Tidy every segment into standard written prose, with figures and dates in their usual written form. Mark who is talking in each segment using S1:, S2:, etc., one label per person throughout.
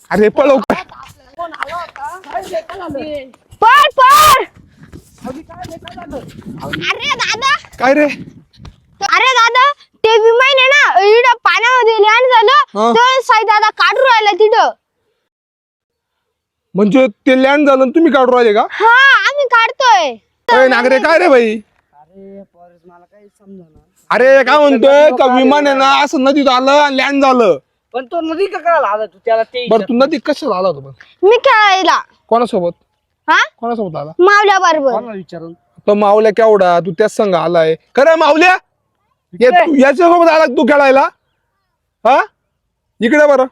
S1: अरे पळव काय
S2: पळ पळ. अरे दादा
S1: काय रे
S2: अरे दादा ते विमान आहे ना इकडं पाण्यामध्ये लँड झालं तर साई दादा काढू राहिला तिथं.
S1: म्हणजे ते लँड झालं तुम्ही काढून राहिले का?
S2: हा आम्ही काढतोय.
S1: अरे नागरे काय रे भाई?
S3: अरे पॉरेस मला काही समजना.
S1: अरे काय म्हणतोय का विमान आहे ना असं नदीत आलं आणि लँड झालं.
S3: पण तो नदी का करायला आला तू त्याला ते
S1: बरं तू नदीत कशाला आला होता पण?
S2: मी खेळायला.
S1: कोणासोबत
S2: हा
S1: कोणासोबत आला?
S2: मावल्या बरोबर.
S3: कोणाला विचारून
S1: तो मावल्या केवढा तू त्याच संघ आलाय खरं मावल्या याच्यासोबत आला तू खेळायला? हा इकडे बरं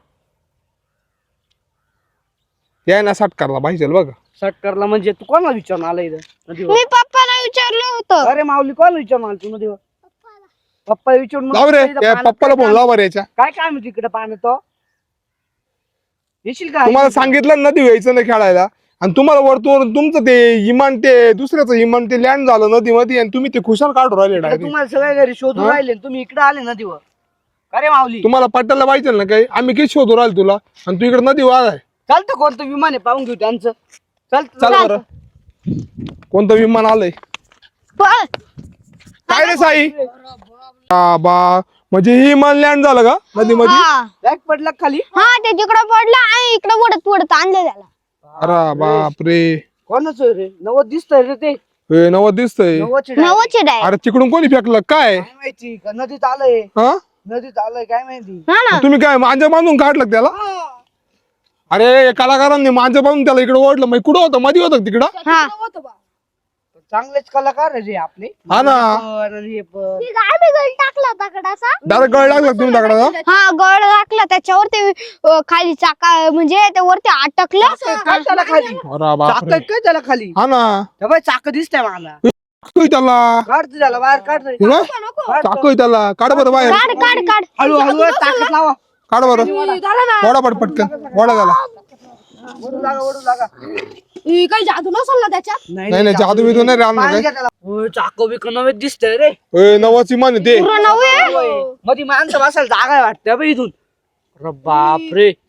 S1: याय ना सटकारला पाहिजे बघ.
S3: सटकरला म्हणजे तू कोणाला विचारून आला इथं नदीवर?
S2: मी पप्पाला विचारलं होतं.
S3: अरे माऊली कोणाला विचारून आला तू नदीवर? पप्पा विचारून मग
S1: लाव रे
S3: इथं
S1: या
S3: पाण्यात
S1: पप्पाला
S3: काय
S1: फोन लाव बरं याच्या.
S3: काय काय म्हणतो इकडे पाण्यात तो येशील का?
S1: तुम्हाला सांगितलं नदी यायचं नाही खेळायला आणि तुम्हाला वरतून तुमचं ते इमान ते दुसऱ्याचं इमान ते लँड झालं नदीमध्ये आणि तुम्ही ते खुशाल काढून राहिले
S3: इकडे
S1: डायरेक्ट.
S3: तुम्हाला सगळ्या घरी शोधून राहिले आणि तुम्ही इकडे आले नदीवर. अरे माऊली
S1: तुम्हाला पट्ट्याला पाहिजे ना काही आम्ही किती शोधून राहिलो तुला आणि तू इकडे नदीवर आलाय.
S3: चालतं कोणतं विमान आहे पाहून घेऊ त्यांचं.
S1: चल बरं कोणतं विमान आलंय
S2: पळ.
S1: काय रे साई? बा म्हणजे ही विमान लँड झालं का नदीमध्ये?
S2: हा
S3: बॅग पडला खाली.
S2: हा ते तिकडं पडलं आणि इकडं वडत वडत आणलं त्याला.
S1: अरे बापरे
S3: कोणाच रे? नवद दिसतंय रे ते.
S1: हे नवं दिसतंय.
S3: नवदचे
S2: नवचे डाय.
S1: अरे तिकडून कोणी फेकलं काय?
S3: काय माहिती का नदीत आलंय.
S1: हा
S3: नदीत आलंय काय माहिती.
S2: हा ना
S1: तुम्ही काय मांजा बांधून काढलं त्याला? अरे कलाकारांनी मांजा बांधून त्याला इकडे ओढलं मग कुठं होतं मध्ये होतं तिकडं?
S2: हा
S3: चांगलेच कलाकार आहे रे आपले.
S1: हा ना
S3: पण आणि हे पण.
S2: टाकला दगडाचा.
S1: डायरेक्ट गळ लागला तुम्ही दगडाचा?
S2: हा गळ टाकला त्याच्यावर ते खाली चाका म्हणजे ते वरती अटकलं.
S3: काय त्याला खाली?
S1: अरे
S3: चाक
S1: बापरे
S3: काय त्याला खाली?
S1: हा ना
S3: तेव्हा चाक दिसतंय मला.
S1: चाकू त्याला
S3: काढ त्याला बाहेर काढ रे.
S1: तुला? चाकू आहे त्याला काढ बरं बाहेर.
S2: काढ काढ काढ.
S3: हळू हळू ताकद लावा.
S1: काढ बरं वडा पटकन वडा त्याला.
S3: ओढू लागा ओढू लागा.
S2: काही जादू नसेल ना त्याच्यात.
S1: नाही नाही जादू बिदू नाही राहणार
S3: पाणी
S1: काय.
S3: घ्या त्याला. होय, चाक बिक नवेच दिसतंय रे.
S1: नवाच इमान आहे ते.
S2: पूर्ण नऊ आहे.
S3: होय. मध्ये माणसं बसायला जागा आहे वाटतं बा इथून. अरे बापरे